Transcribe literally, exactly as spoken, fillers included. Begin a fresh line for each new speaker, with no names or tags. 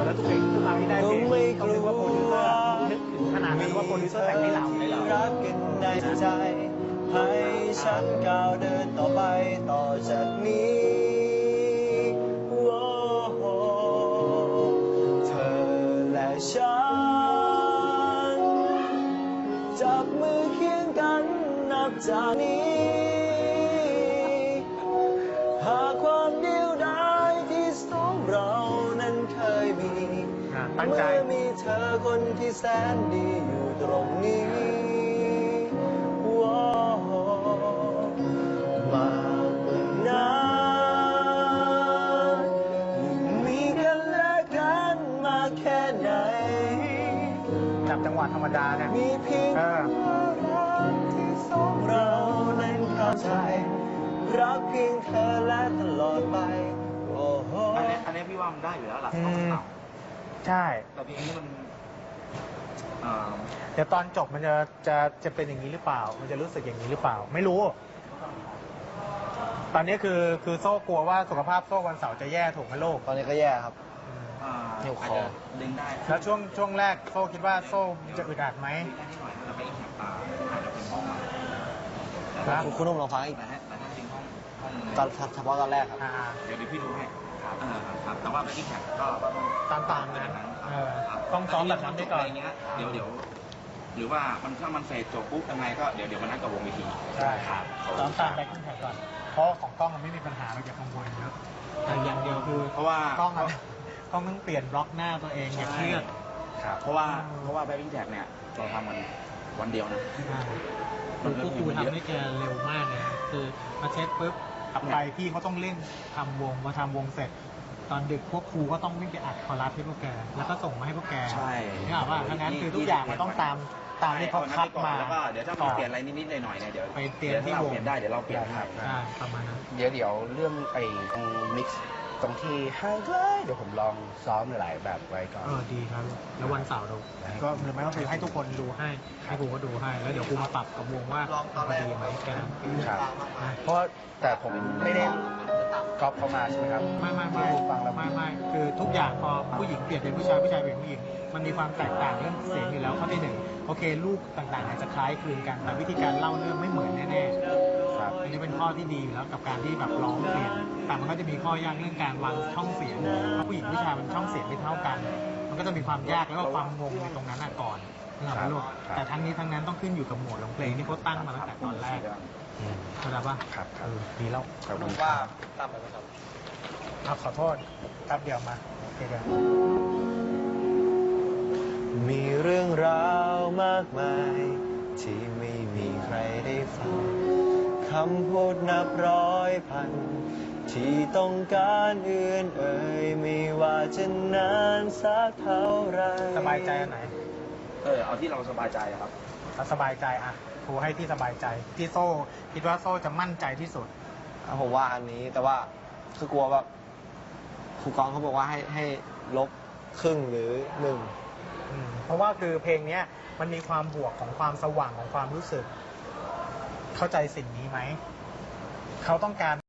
แล้วเพลงขึ้นมาไม่ได้เพลงต้องนึกว่าโปรดิวเซอร์นึกถึงขนาดนั้นว่าโปรดิวเซอร์แต่งให้เราให้เรา
รักกันในใจให้ฉันก้าวเดินต่อไปต่อจากนี้โอ้โหเธอและฉันจับมือเคียงกันนับจากนี้หากความเดียวดายที่สองเรานั้นเคยมีเมื่อมีเธอคนที่แสนดีอยู่ตรงนี้ว้าวมากกว่านั้นมีกันและกันมาแค่ไหน
จับจังหวะธรรมดาเนี่ย
มีเพียงรักที่สองเรานั้นเข้าใจรักเพียงเธอและตลอดไปโอ้โห
อันนี้อันนี้พี่ว่ามันได้อยู่แล้วหลักต้องต่ำ
ใช่
แต่เพลงนี้มัน
เดี๋ยวตอนจบมันจะจะจะเป็นอย่างนี้หรือเปล่ามันจะรู้สึกอย่างนี้หรือเปล่าไม่รู้ตอนนี้คือคือโซ่กลัวว่าสุขภาพโซ่วันเสาร์จะแย่ถูกไหมโลก
ตอนนี้ก็แย่ครับ
เหนียวคอดึงได้
แล้วช่วงช่วงแรกโซ่คิดว่าโซ่จะอึดอัดไหม
จะไปอีกแถบตาอาจจะเป็นห้อง
ครับคุณนุ่มลองฟังอีกนะฮะตอนเฉพาะตอนแรกครับ
เดี๋ยวพี่ดูให้ครับแต่ว่าไปอีกแถบก็
ตามตามนั้นต้องซ้อมแบบนั้นไปก่อน
อย่างเงี้ยเดี๋ยวเดี๋ยวหรือว่ามันถ้ามันเฟดจบปุ๊บยังไงก็เดี๋ยวเดี๋ยวมันนัดกับวงวิธี
ใช่ครับซ้อมตามไปขึ้นแถบก่อนเพราะของกล้องมันไม่มีปัญหาเราอย่ากังวลเยอะแต่อย่างเดียวคือ
เพราะว่าก
ล้องกล้องต้องเปลี่ยนบล็อกหน้าตัวเองอย่าเครียด
ครับเพราะว่าเพราะว่าแบ็คกิ้งแท็กเนี่ยเราทำมันวันเดียวนะ
คือพวกครูทำได้แกเร็วมากเลยคือมาเช็คปุ๊บกลับไปพี่เขาต้องเร่งทำวงมาทำวงเสร็จตอนดึกพวกครูก็ต้องวิ่งไปอัดคอรัสให้พวกแกแล้วก็ส่งมาให้พวกแก
ใช่
นี่บอกว่าทั้งนั้นคือทุกอย่างมันต้องตามตามที่เขาคัดมา
แล้วก็เดี๋ยวถ้ามีเปลี่ยนอะไรนิดๆหน่อยๆเนี่ยเดี๋ยว
ไปเปลี่ยนที่วง
เปลี่ยนได้เดี๋ยวเราเปลี่ยนให้
ใช่ประมาณนั้น
เดี๋ยวเดี๋ยวเรื่องไอ้ตรงมิกซ์ตรงที่ให้เลยเดี๋ยวผมลองซ้อมหลายแบบไว้ก่อน
เออดีครับแล้ววันเสาร์เราก็หรือไม่ก็คือให้ทุกคนดูให้ให้ครูก็ดูให้แล้วเดี๋ยวครูมาปรับกับวงว่าพอดีไหมแก
ครับเพราะแต่ผมไม่ได้ก๊อปเข้ามาใช่ไหมครับ
ไม่ไม่ไม่ฟังแล้วไม่ไม่คือทุกอย่างพอผู้หญิงเปลี่ยนเป็นผู้ชายผู้ชายเป็นผู้หญิงมันมีความแตกต่างเรื่องเสียงอยู่แล้วข้อที่หนึ่งโอเคลูกต่างๆอาจจะคล้ายคลึงกันแต่วิธีการเล่าเรื่องไม่เหมือนแน่ๆครับอันนี้เป็นข้อที่ดีอยู่แล้วกับการที่แบบร้องเปลี่ยนแต่มันก็จะมีข้อยากเรื่องการวางช่องเสียงเพราะผู้หญิงผู้ชายมันช่องเสียงไม่เท่ากันมันก็จะมีความยากแล้วก็ความงงในตรงนั้นก่อนนะครับลูกแต่ทั้งนี้ทั้งนั้นต้องขึ้นอยู่กับโหมดของเพลงที่เขาตั้งมาตั้งแต่ตอนแรกเข้าใจป่ะ
ครับ
เออดีแล้ว
ผมว่าตามไปไหมครับ
เอาขอโทษครับเดี๋ยวมาโอเคเดี๋ยว
มีเรื่องราวมากมายที่ไม่มีใครได้ฟังคำพูดนับร้อยพันที่ต้องการเอื้อนเอ่ยไม่ว่าจะนานสักเท่าไร
สบายใจอันไหน
เออเอาที่เราสบายใจครับ
เอาสบายใจอ่ะครูให้ที่สบายใจที่โซ่คิดว่าโซ่จะมั่นใจที่สุด
ผมว่าอันนี้แต่ว่าคือกลัวแบบครูกองเขาบอกว่าให้ให้ลบครึ่งหรือหนึ่ง
เพราะว่าคือเพลงนี้มันมีความบวกของความสว่างของความรู้สึกเข้าใจสิ่งนี้ไหมเขาต้องการ